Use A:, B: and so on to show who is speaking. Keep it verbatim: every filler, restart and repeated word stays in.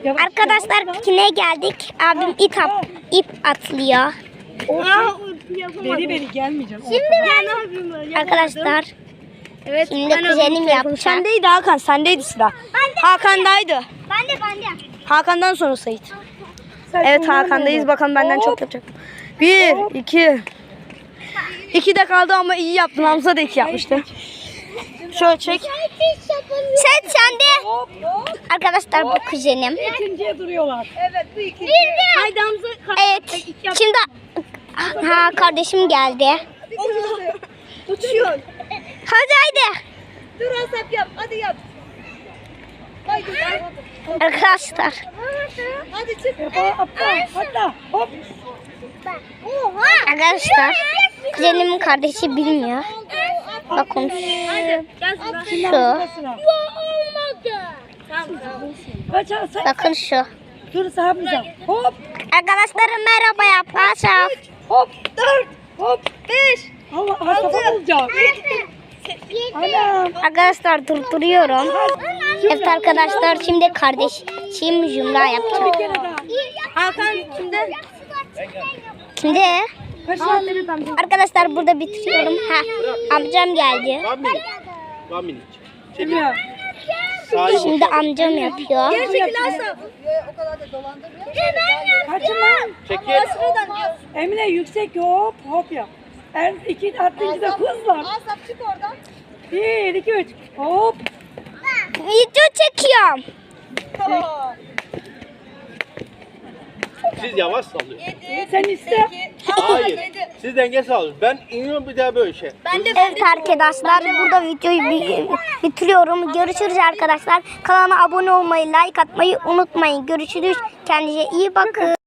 A: Arkadaşlar pikniğe geldik. Abim ip, at, ip atlıyor.
B: Beri beri gelmeyeceğim.
A: Şimdi ben arkadaşlar.
C: Evet.
A: Şimdi kuzenim yapacak.
B: Sendeydi Hakan, sendeydi sıra. Hakan'daydı.
A: Ben de ben de.
B: Hakan'dan sonra Sait. Evet Hakan'dayız. Bakalım benden çok yapacak. Bir, iki. İki de kaldı ama iyi yaptın. Hamza da iki yapmıştı. Şöyle çek.
A: Sen sen de. Arkadaşlar bu kuzenim.
B: İkinciye duruyorlar. Evet bu iki.
A: Haydi Hamza. Evet. Şimdi ha kardeşim geldi.
C: Uçuyor.
A: Hadi haydi.
C: Dur Asap yap. Hadi yap. Haydi.
A: Arkadaşlar.
C: Hadi çık.
B: Atla, atla. Hop.
A: Arkadaşlar. Kuzenimin kardeşi bilmiyor. Bakın şu.
B: Kaç alsa.
A: Bakın şu.
B: Dur sahabımıza. Hop.
A: Arkadaşlar merhaba yap. Asaf.
B: Hop. Dört. Hop. Beş. Allah Asaf'a olacak. Anam.
A: Arkadaşlar durduruyorum. Evet arkadaşlar şimdi kardeşim Jumra yapacak.
B: Bir kere daha.
C: Hakan şimdi.
A: Şimdi
B: Kaç saatleri tam.
A: arkadaşlar burada bitiriyorum. Ha, amcam geldi.
D: One minute. One minute.
B: Bilmiyorum.
D: Sahip
A: Şimdi amcam yapıyor.
C: Gerçekten Asap. O kadar da dolandırmıyor.
B: Kaçın lan.
D: Çekil.
B: Emine yüksek hop hop yap. Er, iki attıncı da hızla.
C: Asap çık oradan.
B: Bir, iki, üç. Hop.
A: Video çekiyorum.
D: Siz yavaş sallıyorsunuz.
B: Sen iste.
D: Hayır. Siz denge sağlıyorsunuz. Ben iniyorum bir daha böyle şey.
A: Evet arkadaşlar burada videoyu bi- bitiriyorum. Görüşürüz arkadaşlar. Kanala abone olmayı, like atmayı unutmayın. Görüşürüz. Kendinize iyi bakın.